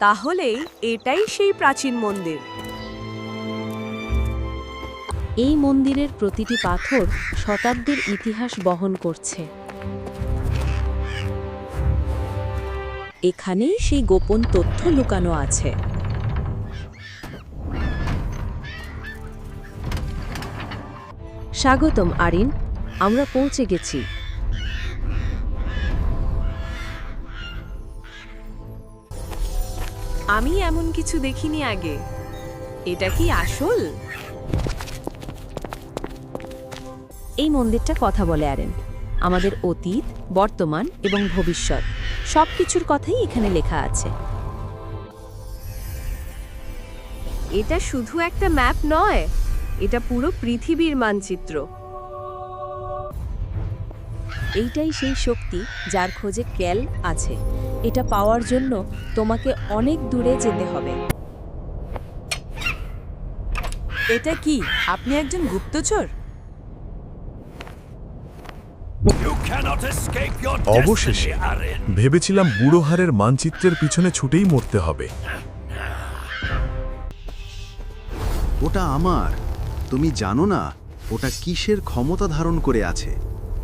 তাহলেই এটাই সেই প্রাচীন মন্দির। এই মন্দিরের প্রতিটি পাথর শতাব্দীর ইতিহাস বহন করছে। এখানেই সেই গোপন তথ্য লুকানো আছে। স্বাগতম আরিন, আমরা পৌঁছে গেছি। আমি এমন কিছু দেখিনি আগে। এটা কি আসল? এই মন্দিরটা কথা বলে আরেন। আমাদের অতীত, বর্তমান এবং ভবিষ্যৎ সবকিছুর কথাই এখানে লেখা আছে। এটা শুধু একটা ম্যাপ নয়, এটা পুরো পৃথিবীর মানচিত্র। এইটাই সেই শক্তি যার খোঁজে ক্যাল আছে। এটা পাওয়ার জন্য তোমাকে অনেক দূরে যেতে হবে। এটা কি আপনি একজন গুপ্তচর? অবশেষে ভেবেছিলাম বুড়োহারের মানচিত্রের পিছনে ছুটেই মরতে হবে। ওটা আমার। তুমি জানো না ওটা কিসের ক্ষমতা ধারণ করে আছে?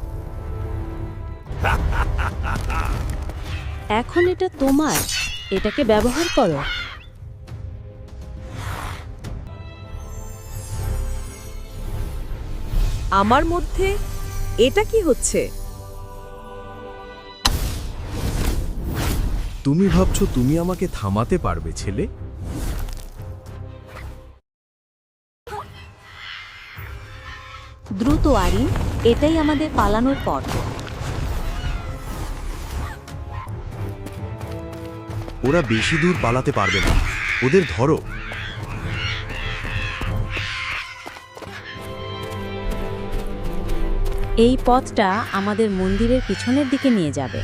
এখন এটা তোমার, এটাকে ব্যবহার করো। আমার মধ্যে এটা কি হচ্ছে? তুমি ভাবছো তুমি আমাকে থামাতে পারবে ছেলে? দ্রুত আরিন, এটাই আমাদের পালানোর পথ। ওরা বেশি দূর পালাতে পারবে না, ওদের ধরো। এই পথটা আমাদের মন্দিরের পিছনের দিকে নিয়ে যাবে।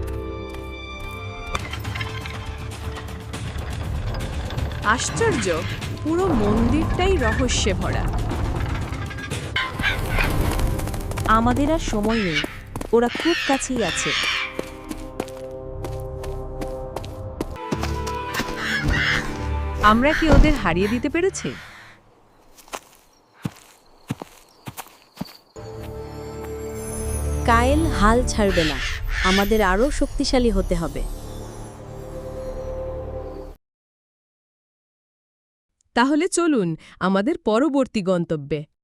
আশ্চর্য, পুরো মন্দিরটাই রহস্যে ভরা। আমাদের আর সময় নেই, ওরা খুব কাছেই আছে। আমরা কি ওদের হারিয়ে দিতে পেরেছি? কায়েল হাল ছাড়বে না, আমাদের আরও শক্তিশালী হতে হবে। তাহলে চলুন আমাদের পরবর্তী গন্তব্যে।